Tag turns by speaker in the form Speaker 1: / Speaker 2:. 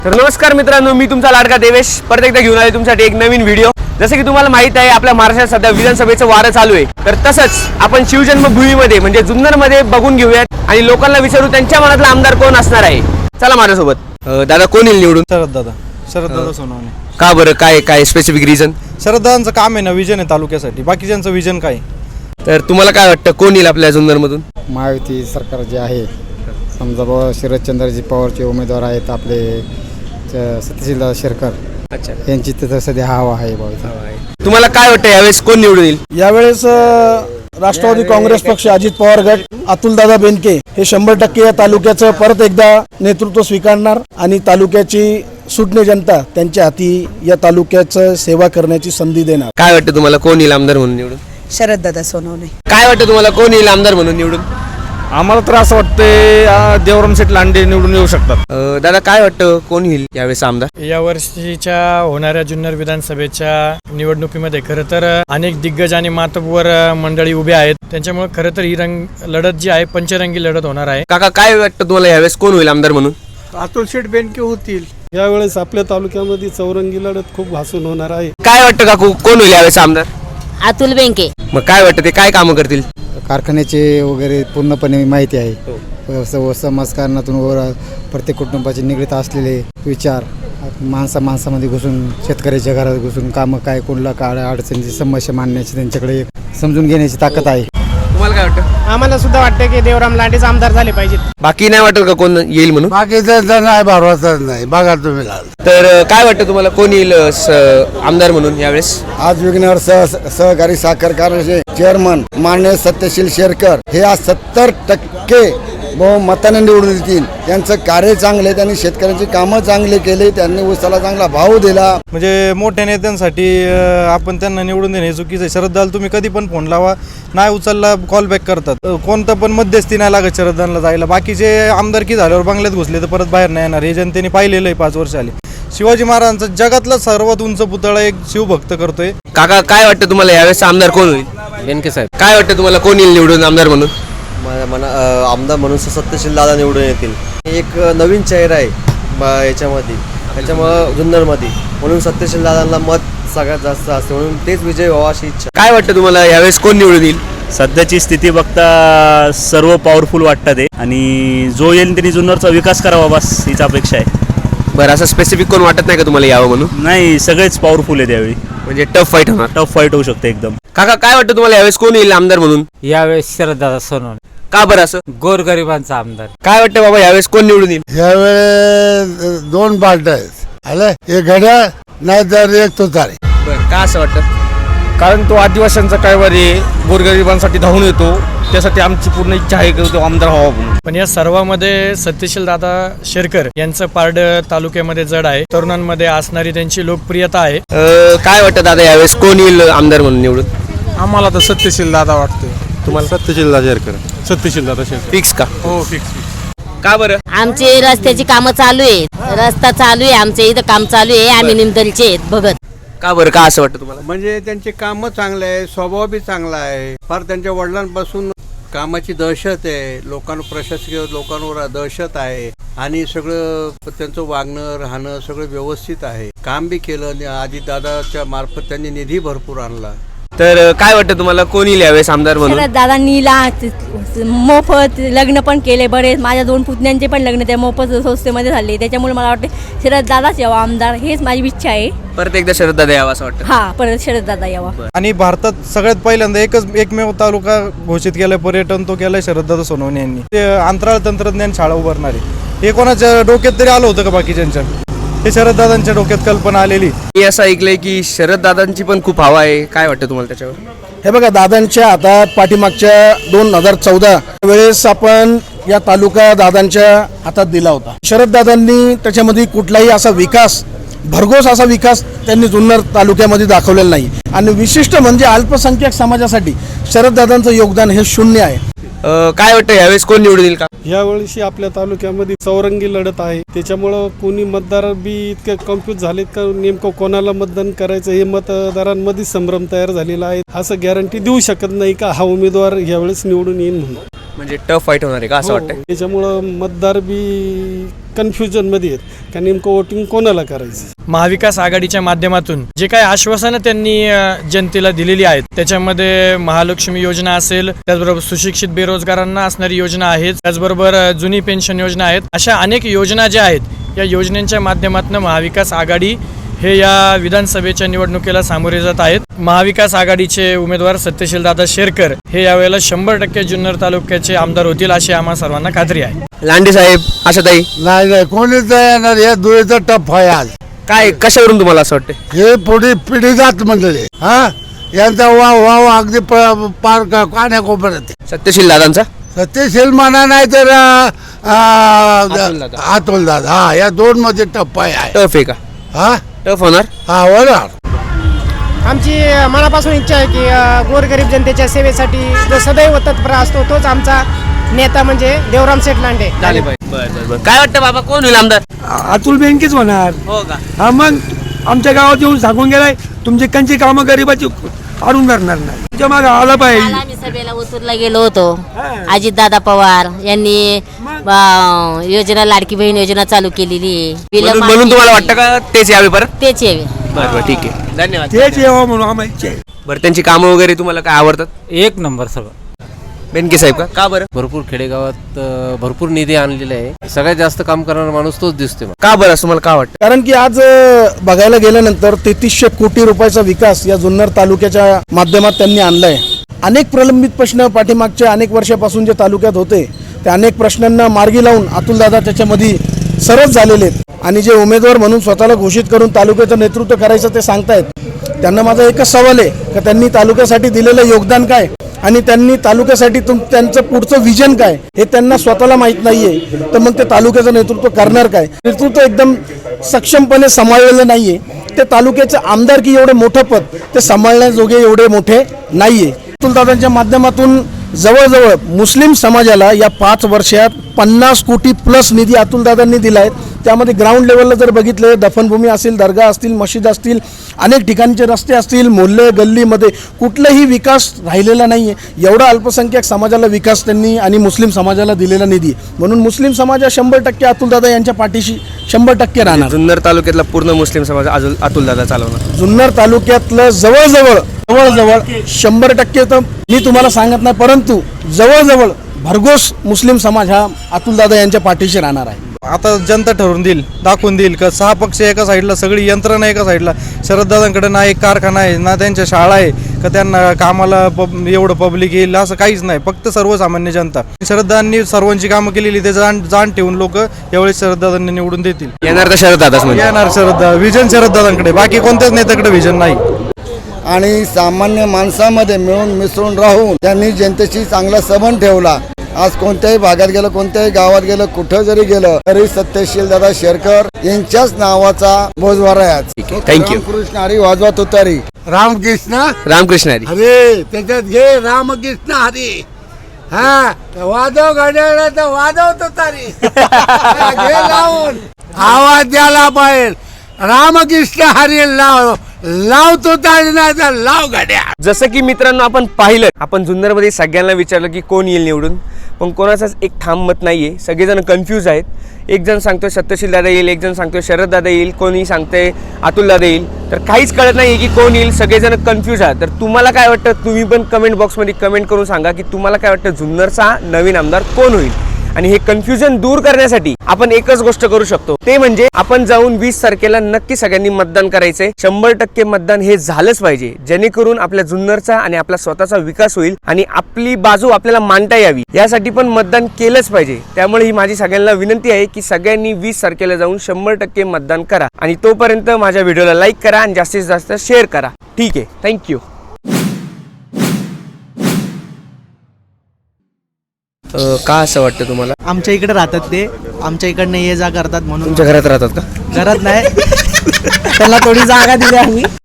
Speaker 1: तर नमस्कार मित्रांनो, मी तुमचा लाडका देवेश परत एकदा घेऊन आले तुमच्यासाठी एक नवीन व्हिडिओ। जसे की तुम्हाला माहित आहे, आपल्या महाराष्ट्रात सध्या विधानसभेचं वारं चालू आहे। तर तसंच आपण शिवजन्मभूमीमध्ये म्हणजे जुन्नरमध्ये बघून घेऊयात आणि लोकांना विचारू त्यांच्या मनातला आमदार कोण असणार आहे। चला माझ्यासोबत। दादा कोण येईल निवडून?
Speaker 2: शरद दादा सोनवणे।
Speaker 1: का बरं, काय स्पेसिफिक रिझन?
Speaker 2: शरद दादांचं काम आहे ना, विजन आहे तालुक्यासाठी, बाकीच्यांचं विजन काय?
Speaker 1: तर तुम्हाला काय वाटतं कोण येईल आपल्या जुन्नरमधून?
Speaker 3: महायुती सरकार जे आहे, समजा बाबा शरदचंद्रजी पवारचे उमेदवार आहेत आपले सत्यशीलदादा शेरकर,
Speaker 1: अच्छा,
Speaker 3: यांची तिथं सध्या हवा आहे बाबा।
Speaker 1: तुम्हाला काय वाटतं यावेळेस कोण निवडून येईल?
Speaker 4: यावेळेस राष्ट्रवादी काँग्रेस पक्ष, अजित पवार गट, अतुलदादा बेनके हे 100% या तालुक्याचं परत एकदा नेतृत्व स्वीकारणार आणि तालुक्याची सुटणे जनता त्यांच्या हाती या तालुक्याचं सेवा करण्याची संधी देणार।
Speaker 1: काय वाटतं तुम्हाला कोण येईल आमदार म्हणून निवडून?
Speaker 5: शरददादा सोनवणे।
Speaker 1: काय वाटतं तुम्हाला कोण येईल आमदार म्हणून निवडून?
Speaker 2: आम्हाला तर असं वाटतंय देवराम शेठ लांडे निवडून येऊ शकतात।
Speaker 1: दादा काय वाटतं कोण येईल यावेळेस आमदार?
Speaker 6: या वर्षीच्या होणाऱ्या जुन्नर विधानसभेच्या निवडणुकीमध्ये खरं तर अनेक दिग्गज आणि मातब्बर मंडळी उभे आहेत। त्यांच्यामुळे खरं तर ही लढत जी आहे पंचरंगी लढत होणार आहे।
Speaker 1: काका काय वाटतं तुम्हाला यावेळेस कोण होईल आमदार म्हणून?
Speaker 7: अतुल शेठ बेनके होतील।
Speaker 4: यावेळेस आपल्या तालुक्यामध्ये चौरंगी लढत खूप भासून होणार आहे।
Speaker 1: काय वाटतं काकू कोण होईल यावेळेस आमदार?
Speaker 5: अतुल बेनके।
Speaker 1: मग काय वाटतं ते काय कामं करतील?
Speaker 3: कारखान्याचे वगैरे पूर्णपणे माहिती आहे। समाजकारणातून प्रत्येक कुटुंबाचे निगडीत असलेले विचार माणसामध्ये घुसून, शेतकऱ्याच्या घरात घुसून कामं काय, कोणला काय अडचणीची समस्या मांडण्याची त्यांच्याकडे एक समजून घेण्याची ताकद आहे।
Speaker 1: तुम्हाला काय वाटतं?
Speaker 8: आम्हाला सुद्धा वाटतं की देवराम लांडेच आमदार झाले पाहिजेत।
Speaker 1: बाकी नाही वाटत का कोण येईल म्हणून?
Speaker 7: बाकीचं नाही, भरवसा नाही, बघा तुम्ही
Speaker 1: तर काय वाटतं तुम्हाला कोण येईल आमदार म्हणून यावेळेस?
Speaker 3: आज विघ्नर सहकारी साखर कारखान्याचे चेअरमन माननीय सत्यशील शेरकर हे आज 70% बहुमताने निवडून येतील। त्यांचं कार्य चांगले, त्यांनी शेतकऱ्यांची कामं चांगले केले, त्यांनी ऊसाला चांगला भाव दिला।
Speaker 2: म्हणजे मोठ्या नेत्यांसाठी आपण त्यांना निवडून देणे चुकीचं आहे। शरद दादा तुम्ही कधी पण फोन लावा, नाही उचलला कॉल बॅक करतात। कोणतं पण मध्यस्थी नाही लागत शरद दादांना जायला। बाकीचे आमदारकी झाल्यावर बंगल्यात घुसले तर परत बाहेर नाही येणार, हे जनतेने पाहिलेलं आहे 5 वर्ष आली। शिवाजी महाराजांचा जगातला सर्वात उंच पुतळा एक शिवभक्त करतोय।
Speaker 1: काका काय वाटतं तुम्हाला यावेळेस आमदार कोण होईल?
Speaker 9: बेनके साहेब।
Speaker 1: काय वाटतं तुम्हाला कोण येईल निवडून आमदार म्हणून?
Speaker 9: आमदार म्हणून सत्यशील दादा निवडून येतील। एक नवीन चेहरा आहे याच्यामध्ये, त्याच्यामुळं जुन्नरमध्ये, म्हणून सत्यशील दादांना मत सगळ्यात जास्त असते, म्हणून तेच विजय व्हावा अशी इच्छा।
Speaker 1: काय वाटतं तुम्हाला यावेळेस कोण निवडून येईल?
Speaker 10: सध्याची स्थिती बघता सर्व पॉवरफुल वाटतात आहे आणि जो येईल त्यांनी जुन्नरचा विकास करावा, बस हीच अपेक्षा आहे।
Speaker 1: बरं, असं स्पेसिफिक कोण वाटत नाही का तुम्हाला यावं म्हणून?
Speaker 10: नाही, सगळेच पॉवरफुल आहे त्यावेळी,
Speaker 1: म्हणजे टफ फाईट होणार?
Speaker 10: टफ फाईट होऊ शकते एकदम।
Speaker 1: काका काय वाटतं तुम्हाला यावेळेस कोण येईल आमदार म्हणून?
Speaker 9: यावेळेस शरददादा सोनवणे।
Speaker 1: का बरं असं?
Speaker 9: गोरगरिबांचा आमदार।
Speaker 1: काय वाटतं बाबा यावेळेस कोण निवडून येईल?
Speaker 7: यावेळेस 2 पार्ट्या आहेत, आलं एक घड्याळ नाही तर एक तुतारी।
Speaker 1: बरं, का असं वाटतं?
Speaker 2: कारण तो आदिवासींचा कायवारी गोरगरिबांसाठी धावून येतो, त्यासाठी आमची पूर्ण इच्छा आहे की तो आमदार व्हावा म्हणून।
Speaker 6: पण या सर्वांमध्ये सत्यशील दादा शेरकर यांचं पारड तालुक्यामध्ये जड आहे। तरुणांमध्ये असणारी त्यांची लोकप्रियता आहे।
Speaker 1: काय वाटतं दादा यावेळेस कोण येईल आमदार म्हणून निवडून?
Speaker 2: आम्हाला तर सत्यशील दादा वाटतोय।
Speaker 1: तुम्हाला?
Speaker 2: सत्यशील दादा शेरकर। सत्यशील दादा शेरकर
Speaker 1: फिक्स का?
Speaker 2: हो, फिक्स।
Speaker 1: का बरं?
Speaker 5: आमचे रस्त्याची कामं चालू आहेत, रस्ता चालू आहे, आमच्या इथं काम चालू आहे, आम्ही निमदलचे आहेत बघत।
Speaker 1: का बरं, का असं वाटतं तुम्हाला?
Speaker 7: म्हणजे त्यांचे कामं चांगले आहे, स्वभाव बी चांगला आहे। फार त्यांच्या वडिलांपासून कामाची दहशत आहे, प्रशासकीय लोकांवर दहशत आहे आणि सगळं त्यांचं वागणं राहणं सगळं व्यवस्थित आहे। काम बी केलं, आधी दादाच्या मार्फत त्यांनी निधी भरपूर आणला।
Speaker 1: तर काय वाटतं तुम्हाला कोण येईल यावेळेस आमदार म्हणून?
Speaker 11: शरद दादांनी मोफत लग्न पण केले बरेच, माझ्या 2 पुतण्यांचे पण लग्न त्या मोफत संस्थेमध्ये झाले। त्याच्यामुळे मला वाटतं शरद दादाच यावा आमदार, हेच माझी इच्छा आहे।
Speaker 1: परत एकदा शरद दादा यावं असं वाटतं?
Speaker 11: हा, परत शरद दादा यावा।
Speaker 2: आणि भारतात सगळ्यात पहिल्यांदा एकमेव तालुका घोषित केलाय पर्यटन, तो केलाय शरददादा सोनवणे यांनी। ते अंतराळ तंत्रज्ञान शाळा उभारणारे, हे कोणाच्या डोक्यात तरी आलं होतं का बाकीच्यांच्या? हे शरददादांच्या डोक्यात कल्पना आलेली।
Speaker 1: मी असं ऐकलंय की शरद दादांची पण खूप हवा आहे, काय वाटतं तुम्हाला त्याच्यावर?
Speaker 4: हे बघा, दादांच्या हातात पाठीमागच्या 2014 वेळेस आपण या तालुका दादांच्या हातात दिला होता। शरद दादांनी त्याच्यामध्ये कुठलाही असा विकास, भरघोस असा विकास त्यांनी जुन्नर तालुक्यामध्ये दाखवलेला नाही आणि विशिष्ट म्हणजे अल्पसंख्याक समाजासाठी शरद दादांचं योगदान हे 0 आहे।
Speaker 1: काय वाटतं यावेळेस कोण निवडून येईल? का
Speaker 4: यावेळी आपल्या तालुक्यामध्ये चौरंगी लढत आहे, त्याच्यामुळं कोणी मतदार बी इतके कन्फ्यूज झालेत का नेमकं कोणाला मतदान करायचं हे मतदारांमध्ये संभ्रम तयार झालेला आहे। असं गॅरंटी देऊ शकत नाही का हा उमेदवार यावेळेस निवडून येईल म्हणून।
Speaker 1: म्हणजे टफ फाईट होणार आहे का असं वाटतं?
Speaker 8: त्याच्यामुळं मतदार बी कन्फ्युजनमध्ये आहेत का नेमकं वोटिंग कोणाला करायचं.
Speaker 6: महाविकास आघाडीच्या माध्यमातून जे काही आश्वासनं त्यांनी जनतेला दिलेली आहेत त्याच्यामध्ये महालक्ष्मी योजना असेल, त्याचबरोबर सुशिक्षित बेरोजगारांना असणारी योजना आहे, त्याचबरोबर जुनी पेन्शन योजना आहेत. अशा अनेक योजना ज्या आहेत या योजनांच्या माध्यमातून महाविकास आघाडी हे या विधानसभेच्या निवडणुकीला सामोरे जात आहेत. महाविकास आघाडीचे उमेदवार सत्यशीलदादा शेरकर हे यावेळेला 100% जुन्नर तालुक्याचे आमदार होतील अशी आम्हा सर्वांना खात्री आहे.
Speaker 1: लांडे साहेब, आशाताई,
Speaker 3: नाही कोणीच येणार. या धुळीचा टप आहे आज.
Speaker 1: काय कशावरून तुम्हाला असं वाटतं?
Speaker 3: हे पुढे पिढी जात मंडळी यांचा वाव अगदी पार कान्याकोपऱ्यात.
Speaker 1: सत्यशील दादांचा
Speaker 3: सत्यशील म्हणा नाही तर
Speaker 1: अतुलदादा.
Speaker 3: अतुलदादा या दोन मध्ये टप्प आहे.
Speaker 1: टफ आहे का?
Speaker 3: हा
Speaker 1: टफ होणार.
Speaker 3: हा होणार.
Speaker 8: आमची मनापासून इच्छा आहे की गोरगरीब जनतेच्या सेवेसाठी जो सदैव तत्पर असतो तोच आमचा नेता म्हणजे देवराम शेठ लांडे.
Speaker 1: काय वाटतं बाबा, कोण होईल आमदार?
Speaker 8: अतुल बेनकेच होणार.
Speaker 1: हो का?
Speaker 8: हा मग आमच्या गावात येऊन सांगून गेलाय तुमची कंची कामं गरीबाची आडून करणार नाही. तुमच्या मागे आला पाहिजे.
Speaker 5: काल आम्ही सभेला उतरला गेलो होतो. अजितदादा पवार यांनी योजना लाडकी बहीण योजना चालू केलेली आहे.
Speaker 1: म्हणून तुम्हाला वाटतं का तेच यावे परत?
Speaker 5: तेच यावे.
Speaker 1: बरं ठीक आहे, धन्यवाद.
Speaker 8: तेच यावं म्हणून आम्हाला इच्छा आहे.
Speaker 1: बरं, त्यांची कामं वगैरे तुम्हाला काय आवडतात?
Speaker 12: एक नंबर सगळं.
Speaker 1: बेनके साहेब का बरं?
Speaker 12: भरपूर खेडेगावात भरपूर निधी आणलेला आहे. सगळ्यात जास्त काम करणारा माणूस तोच दिसतोय.
Speaker 1: का बरं असं तुम्हाला का वाटतं?
Speaker 4: कारण की आज बघायला गेल्यानंतर 3300 कोटी रुपयाचा विकास या जुन्नर तालुक्याच्या माध्यमात त्यांनी आणलाय. अनेक प्रलंबित प्रश्न पाठीमागच्या अनेक वर्षापासून जे तालुक्यात होते त्या अनेक प्रश्नांना मार्गी लावून अतुलदादा त्याच्यामध्ये सरस झालेले आहेत. आणि जे उमेदवार म्हणून स्वतःला घोषित करून तालुक्याचं नेतृत्व करायचं ते सांगतायत. त्यांना माझा एकच सवाल आहे की त्यांनी तालुक्यासाठी दिलेलं योगदान काय आणि त्यांनी तालुक्यासाठी त्यांचं पुढचं विजन काय हे त्यांना स्वतःला माहीत नाहीये. तर मग ते तालुक्याचं नेतृत्व करणार काय? नेतृत्व एकदम सक्षमपणे सांभाळलेलं नाहीये. ते तालुक्याचं आमदारकी एवढे मोठं पद ते सांभाळण्याजोगे एवढे मोठे नाहीये. अतुलदादांच्या माध्यमातून जवळजवळ मुस्लिम समाजाला या 5 वर्षात 50 कोटी प्लस निधी अतुलदादांनी दिला आहे. त्यामध्ये ग्राउंड लेवलला जर बघितलं दफनभूमी असेल, दर्गा असतील, मशीद असतील, अनेक ठिकाणचे रस्ते असतील, मोहल्ले गल्लीमध्ये कुठलाही विकास राहिलेला नाही आहे. एवढा अल्पसंख्याक समाजाला विकास त्यांनी आणि मुस्लिम समाजाला दिलेला निधी म्हणून मुस्लिम समाज 100% अतुलदादा यांच्या पाठीशी 100% राहणार.
Speaker 1: जुन्नर तालुक्यातला पूर्ण मुस्लिम समाज अतुलदादा चालवणार.
Speaker 4: जुन्नर तालुक्यातलं जवळजवळ 100% तर मी तुम्हाला सांगत नाही, परंतु जवळजवळ भरघोस मुस्लिम समाज हा अतुलदादा यांच्या पाठीशी राहणार आहे.
Speaker 2: आता जनता ठरवून देईल, दाखवून देईल का 6 पक्ष एका साईडला, सगळी यंत्रणा एका साईडला. शरददादांकडे ना एक कारखाना आहे ना त्यांच्या शाळा आहे का त्यांना कामाला एवढं पब्लिक येईल असं काहीच नाही. फक्त सर्वसामान्य जनता. शरददादांनी सर्वांची कामं केलेली ते जाण ठेवून लोक यावेळेस शरददादांनी निवडून देतील.
Speaker 1: येणार तर शरददादाच म्हणजे
Speaker 2: येणार शरददादा. विजन शरददादांकडे, बाकी कोणत्याच नेत्याकडे विजन नाही.
Speaker 3: आणि सामान्य माणसामध्ये मिळून मिसळून राहून त्यांनी जनतेशी चांगला संबंध ठेवला. आज कोणत्याही भागात गेलं, कोणत्याही गावात गेलं, कुठं जरी गेलं तरी सत्यशील दादा शेरकर यांच्याच नावाचा बोजवारा आहे.
Speaker 1: थँक्यू.
Speaker 3: रामकृष्ण हरी वाजवा तुतारी.
Speaker 1: रामकृष्ण हरी.
Speaker 3: अरे त्याच्यात घे रामकृष्ण हरी. हा वाजव घड्याळ तर वाजव तुतारी. घे लावून आवाज द्यायला पाहिजे. रामकृष्ण हरी लाव तुतारी नाही तर लाव घड्याळ.
Speaker 1: जसं की मित्रांनो आपण पाहिलं, आपण जुन्नरमध्ये सगळ्यांना विचारलं की कोण येईल निवडून, पण कोणाचाच एक ठाम मत नाहीये. सगळेजण कन्फ्यूज आहेत. एक जण सांगतोय सत्यशील दादा येईल, एक जण सांगतोय शरददादा येईल, कोणी सांगतंय अतुलदादा येईल. तर काहीच कळत नाही की कोण येईल. सगळेजण कन्फ्यूज आहेत. तर तुम्हाला काय वाटतं, तुम्ही पण कमेंट बॉक्समध्ये कमेंट करून सांगा की तुम्हाला काय वाटतं जुन्नरचा नवीन आमदार कोण होईल. आणि हे कन्फ्युजन दूर करण्यासाठी आपण एकच गोष्ट करू शकतो, ते म्हणजे आपण जाऊन 20 तारखेला नक्की सगळ्यांनी मतदान करायचंय. 100% मतदान हे झालंच पाहिजे, जेणेकरून आपल्या जुन्नरचा आणि आपला स्वतःचा विकास होईल आणि आपली बाजू आपल्याला मांडता यावी. यासाठी पण मतदान केलंच पाहिजे. त्यामुळे ही माझी सगळ्यांना विनंती आहे की सगळ्यांनी 20 तारखेला जाऊन 100% मतदान करा. आणि तोपर्यंत माझ्या व्हिडिओला लाईक करा आणि जास्तीत जास्त शेअर करा. ठीक आहे, थँक्यू. का असं वाटतं तुम्हाला?
Speaker 8: आमच्या इकडे राहतात ते, आमच्या इकडनं ये जा करतात म्हणून.
Speaker 1: तुमच्या घरात राहतात का?
Speaker 8: घरात नाही, त्यांना थोडी जागा दिली आम्ही.